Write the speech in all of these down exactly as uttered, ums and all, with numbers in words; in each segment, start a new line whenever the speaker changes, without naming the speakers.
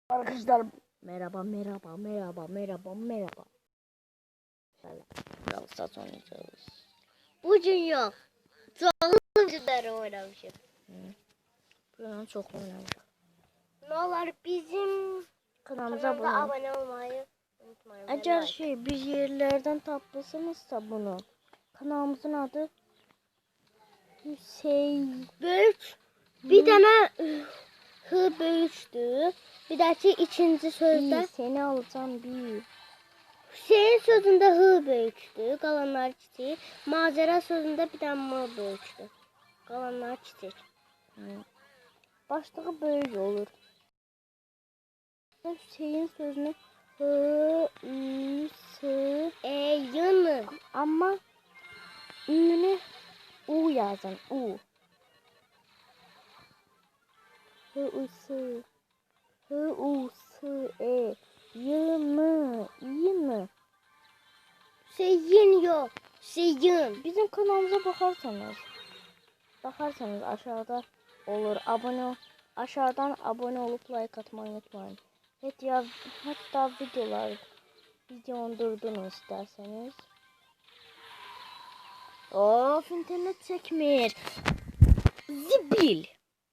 Arkadaşlar merhaba merhaba merhaba merhaba merhaba. Şöyle biraz sat oynayacağız.
Bugün yok. Çoğunluk günleri oynamışım.
Bugün çok oynamışım.
Ne olur bizim
Kanalımıza
kanalımıza
abone olun.
abone olmayı unutmayın. ve
Eğer
like.
şey bir yerlerden tapmışsınızsa bunu. Kanalımızın adı Hüseyin.
Böyük bir tane hı böyüktü. Bir dahaki ikinci sözde
Bir seni alacağım bir.
Hüseyin sözünde hı böyüktü. Kalanlar kiçik. Macera sözünde bir tane mı böyüktü. Kalanlar kiçik.
Başlığı böyle olur. Hüseyin sözünü hı, ü, sı,
E yını.
ama ünlü u yazın. U. Hı, u, sı. Hı, u, sı, e. Y, mı, i mı?
Hüseyin yok. Hüseyin.
Bizim kanalımıza bakarsanız. Bakarsanız aşağıda olur. Abone aşağıdan abone olup like atmayı unutmayın. Hatta, hatta videolar videonu durdurun isterseniz. Of internet çekmiyor. Zibil.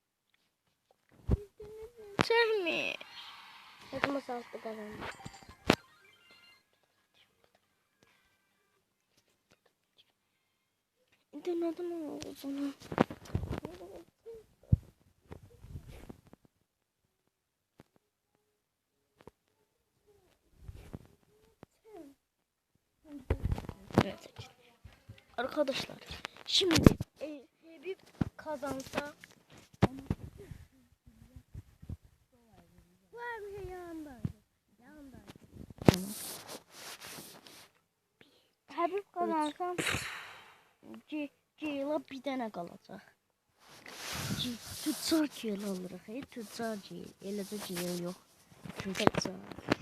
İnternet çekmiyor.
Hadi masallı kalanlar.
İnternetim oldu bana. Evet. Arkadaşlar şimdi e, Habib kazansa
Var bir şey yanında. Yanında.
Habib kazansa C Ceyla bir tane kalacak. C tutsar Ceyla alırıq. Hey tutsar Ceyla. Elə də Ceyla yox. Tutsar.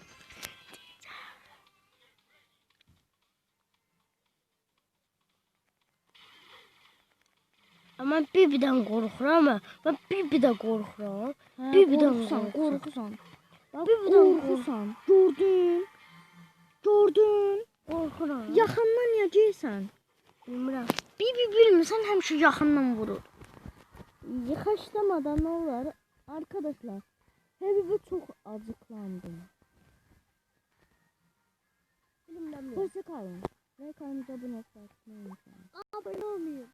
Ama Bibi'den korkuram ama ben Bibi'den korkuram.
Hə,
Bibi'den
qorxusan,
korkuram.
qorxusan.
Bibi'den
Qorxusan. Gördün. Gördün.
korkuram.
Yaxından niyə gəlsən?
Bilmirəm.
Bibi bilmirsən həmişə yaxından vurur. Yıkaşlamadan ne olur? Arkadaşlar. Habibi çok acıklandım.
Bilmirəm.
Hoşça kalın. Ve kanalımıza abone olmayı unutmayın.
Abone olmayın.